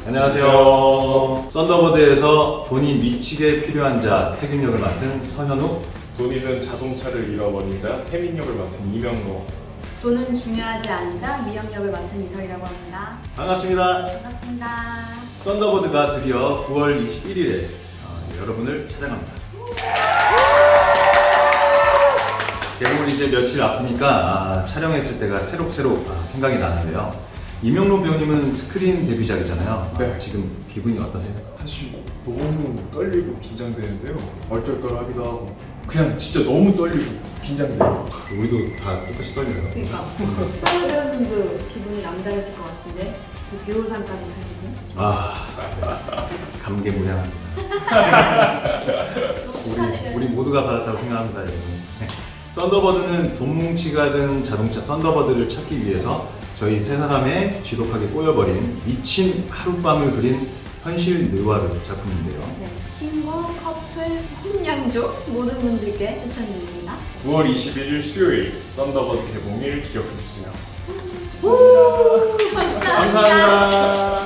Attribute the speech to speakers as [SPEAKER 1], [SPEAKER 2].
[SPEAKER 1] 안녕하세요. 썬더버드에서 돈이 미치게 필요한 자 태균 역을 맡은 서현우.
[SPEAKER 2] 돈이든 자동차를 잃어버린 자 태민 역을 맡은 이명로.
[SPEAKER 3] 돈은 중요하지 않은 자 미영 역을 맡은 이설이라고 합니다.
[SPEAKER 1] 반갑습니다.
[SPEAKER 3] 반갑습니다.
[SPEAKER 1] 썬더버드가 드디어 9월 21일에 여러분을 찾아갑니다. 개봉을 이제 며칠 앞이니까 촬영했을 때가 새록새록 생각이 나는데요. 이명로 배우님은 스크린 데뷔작이잖아요.
[SPEAKER 2] 네.
[SPEAKER 1] 지금 기분이 어떠세요?
[SPEAKER 2] 사실 너무 떨리고 긴장되는데요. 얼떨떨하기도 하고 그냥 진짜 너무 떨리고 긴장돼요.
[SPEAKER 1] 우리도 다 똑같이 떨려요.
[SPEAKER 3] 그러니까 서울 배우님도 기분이 남다르실 것 같은데 그 배우상까지 하시고
[SPEAKER 1] 감개무량합니다.
[SPEAKER 3] 너무 축하드려요.
[SPEAKER 1] 우리 모두가 받았다고 생각합니다, 여러분. 썬더버드는 돈 뭉치가 든 자동차 썬더버드를 찾기 위해서 저희 세 사람의 지독하게 꼬여버린 미친 하룻밤을 그린 현실 느와르 작품인데요.
[SPEAKER 3] 네, 친구, 커플, 혼양족 모든 분들께 추천드립니다.
[SPEAKER 2] 9월 21일 수요일 썬더버드 개봉일 기억해주세요.
[SPEAKER 3] 감사합니다.
[SPEAKER 2] 감사합니다.